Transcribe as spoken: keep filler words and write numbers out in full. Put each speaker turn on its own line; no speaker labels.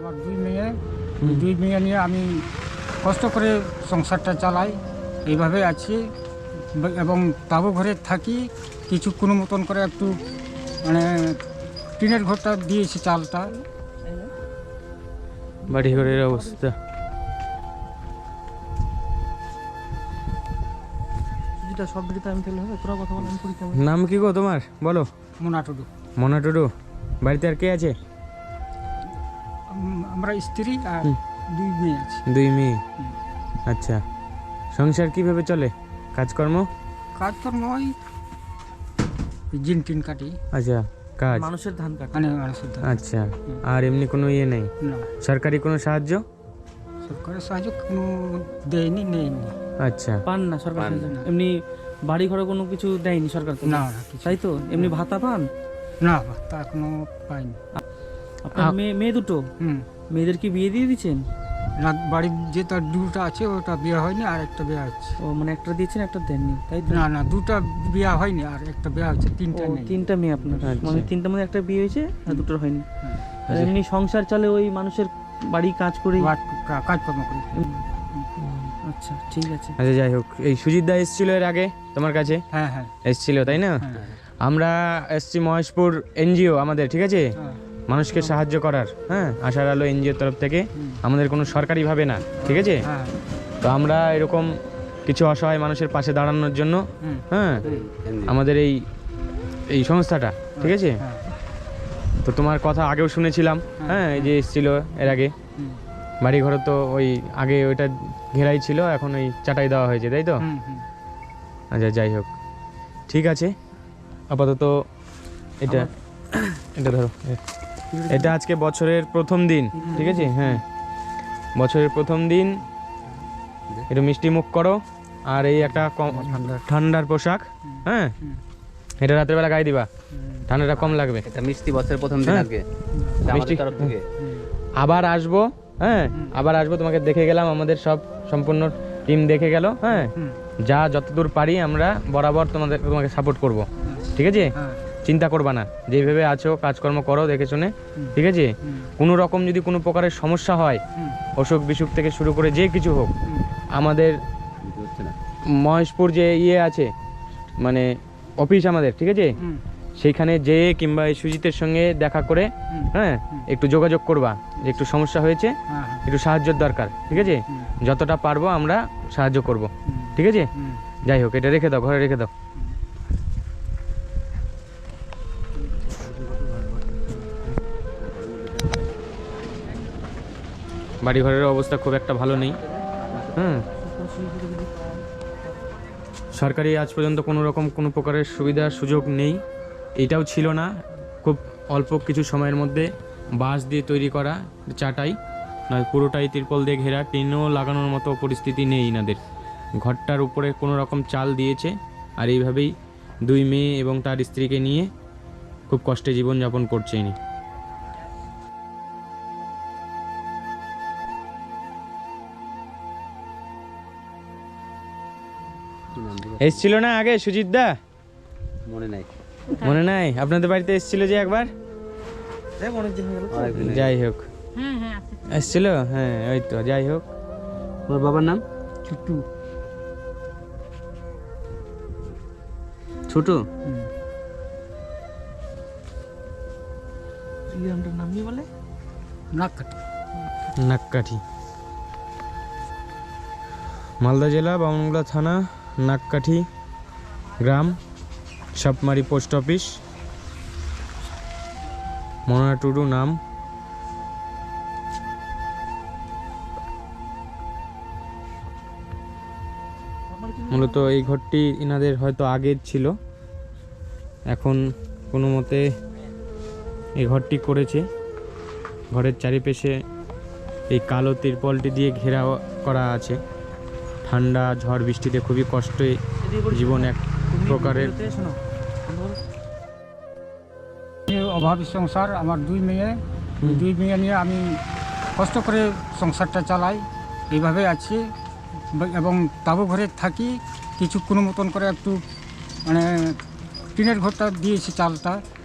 আমার দুই মেয়ে দুই মেয়ে নিয়ে আমি কষ্ট করে সংসারটা চালাই, এইভাবে আছি এবং তাবু ঘরে থাকি। কিছু কোনো মতন করে একটু মানে টিনের ঘরটা দিয়েছি, চালটা।
বাড়ি ঘরের অবস্থা
সব দিকে আমি ফেলে হবে, তোরা কথা বল, আমি পরীক্ষা নেব।
নাম কি গো তোমার? বলো।
মোনা টুডু।
মোনা টুডু। বাড়িতে আর কে আছে?
আম- আমরা স্ত্রী আর দুই মেয়ে আছে।
দুই মেয়ে।
হুম।
আচ্ছা, সংসার কিভাবে চলে? কাজকর্ম?
কাজকর্ম ওই জিন টিন কাটি,
আচ্ছা, কাজ
মানুষের ধান কাটে।
মানে মানুষের ধান।
আচ্ছা, আর এমনি কোনো ইয়ে নেই?
না,
সরকারি কোনো সাহায্য?
সরকারের সাহায্য কোনো দেয়নি, নেয়নি।
আচ্ছা,
পান না সরকার
পান
থেকে?
না।
এমনি বাড়ি ঘরে কোনো কিছু দেয়নি সরকার থেকে?
না না কিছু
তাই তো, এমনি ভাতা পান?
না, তা এখনো পাইনি।
আপনার
আ-
মেয়ে মেয়ে দুটো,
হুম,
মেয়েদের কি বিয়ে দিয়ে দিচ্ছেন?
না, বাড়ির যে তার দুটা আছে ওটা বিয়ে হয়নি, আর একটা বিয়ে হচ্ছে।
ও মানে একটা দিয়েছেন একটা দেননি, তাই তো?
না না, দুটা বিয়ে হয়নি আর একটা বিয়ে হচ্ছে,
ও
তিনটা নেই।
তিনটা মেয়ে আপনার,
আচ্ছা।
মানে তিনটা মধ্যে একটা বিয়ে হয়েছে আর দুটোর হয়নি।
হুম।
আর এমনি সংসার চলে ওই মানুষের বাড়ি কাজ করি?
কাজ- কা- কাজকর্ম করি।
আচ্ছা ঠিক আছে।
আচ্ছা, যাই হোক, এই সুজিত দা এসেছিল এর আগে তোমার কাছে?
হ্যাঁ হ্যাঁ
এসেছিল তাই না?
হ্যাঁ
আমরা এসছি মহেশপুর এনজিও আমাদের, ঠিক আছে,
হ্যাঁ।
মানুষকে সাহায্য করার। হ্যাঁ, আশার আলো এনজিওর তরফ থেকে, আমাদের কোনো সরকারিভাবে না, ঠিক আছে।
হ্যাঁ
তো আমরা এরকম কিছু অসহায় মানুষের পাশে দাঁড়ানোর জন্য,
হুম,
হ্যাঁ, আমাদের এই এই সংস্থাটা, ঠিক আছে।
হ্যাঁ
তো তোমার কথা আগেও শুনেছিলাম, হ্যাঁ, এই যে এসেছিল এর আগে।
হুম,
বাড়ি ঘরে তো ওই আগে ওইটা ঘেরাই ছিল, এখন ওই চাটাই দেওয়া হয়েছে, তাই তো?
হুম, হুম।
আচ্ছা, যাই হোক, ঠিক আছে। আপাতত এটা এটা ধরো, এ- এটা আজকে বছরের প্রথম দিন, ঠিক আছে। হ্যাঁ, বছরের প্রথম দিন, একটু মিষ্টি মুখ করো। আর এই একটা কম ঠান্ডার পোশাক, হ্যাঁ, এটা রাতের বেলা গায়ে দিবা, ঠান্ডাটা কম লাগবে।
এটা মিষ্টি বছরের প্রথম দিন
হ্যাঁ।
আজকে
মিষ্টি-
মিষ্টি তরফ থেকে
আবার আসবো, হ্যাঁ, আবার আসবো, তোমাকে দেখে গেলাম, আমাদের সব সম্পূর্ণ টিম দেখে গেল, হ্যাঁ,
হুম।
যা যতদূর পারি আমরা বরাবর তোমাদের তোমাকে সাপোর্ট করব, ঠিক আছে।
হ্যাঁ
চিন্তা করবা না, যেভাবে আছো কাজকর্ম করো দেখে শুনে, ঠিক আছে।
হুম,
কোনো রকম যদি কোনো প্রকারের সমস্যা হয়,
হুম,
অসুখ বিসুখ থেকে শুরু করে যে কিছু হোক,
হুম।
আমাদের
বুঝতে হচ্ছে না
মহেশপুর যে ইয়ে আছে, মানে অফিস আমাদের, ঠিক আছে,
হুম,
সেইখানে যেয়ে কিংবা এই সুজিতের সঙ্গে দেখা করে,
হুম।
হ্যাঁ, একটু যোগাযোগ করবা যে একটু সমস্যা হয়েছে,
হ্যাঁ হ্যাঁ
একটু সাহায্যের দরকার, ঠিক আছে।
হুম,
যতটা পারবো আমরা সাহায্য করব,
হুম,
ঠিক আছে।
হুম।
যাই হোক, এটা রেখে দাও, ঘরে রেখে দাও। বাড়ি ঘরের অবস্থা খুব একটা ভালো নেই, হুম। সরকারি আজ পর্যন্ত কোনো রকম কোনো প্রকারের সুবিধা সুযোগ নেই, এটাও ছিল না। খুব অল্প কিছু সময়ের মধ্যে বাঁশ দিয়ে তৈরি করা চাটাই, নয় পুরোটাই তিরপল দিয়ে ঘেরা, টিনও লাগানোর মতো পরিস্থিতি নেই এনাদের। ঘরটার উপরে কোনো রকম চাল দিয়েছে, আর এইভাবেই দুই মেয়ে এবং তার স্ত্রীকে নিয়ে খুব কষ্টে জীবনযাপন করছে ইনি।
কি নাম দিবো?
এসছিল না আগে সুজিত দা?
মনে নাই
মনে নাই? আপনাদের বাড়িতে এসছিল যে একবার,
দেখ অনেকদিন হয়ে গেল তো।
অনেকদিন হয়ে
যাই হোক, এসছিল, হ্যাঁ, ওই তো, যাই হোক।
তোমার বাবার নাম
ছুট্টু।
ছোট
হুম।
তুই আমটার নাম কি বলে?
নাক কাটি।
নাককাঠি, মালদা জেলা, বামনগোলা থানা, নাককাঠি গ্রাম, সাপমারি পোস্ট অফিস। মোনা টুডু নাম। মূলত এই ঘরটি ইনাদের হয়তো আগের ছিল, এখন কোনো মতে এই ঘরটি করেছে। ঘরের চারিপাশে এই কালো তিরপলটি দিয়ে ঘেরা করা আছে। ঠান্ডা ঝড় বৃষ্টিতে খুবই কষ্টে জীবন এক প্রকারের।
ভিডিওতে শোনো, বন্ধ করো।
এই অভাবী সংসার, আমার দুই মেয়ে দুই মেয়ে নিয়ে আমি কষ্ট করে সংসারটা চালাই, এইভাবে আছি এবং তাবু ঘরে থাকি। কিছু কোনো মতন করে একটু মানে টিনের ঘরটা দিয়েছি, চালটা।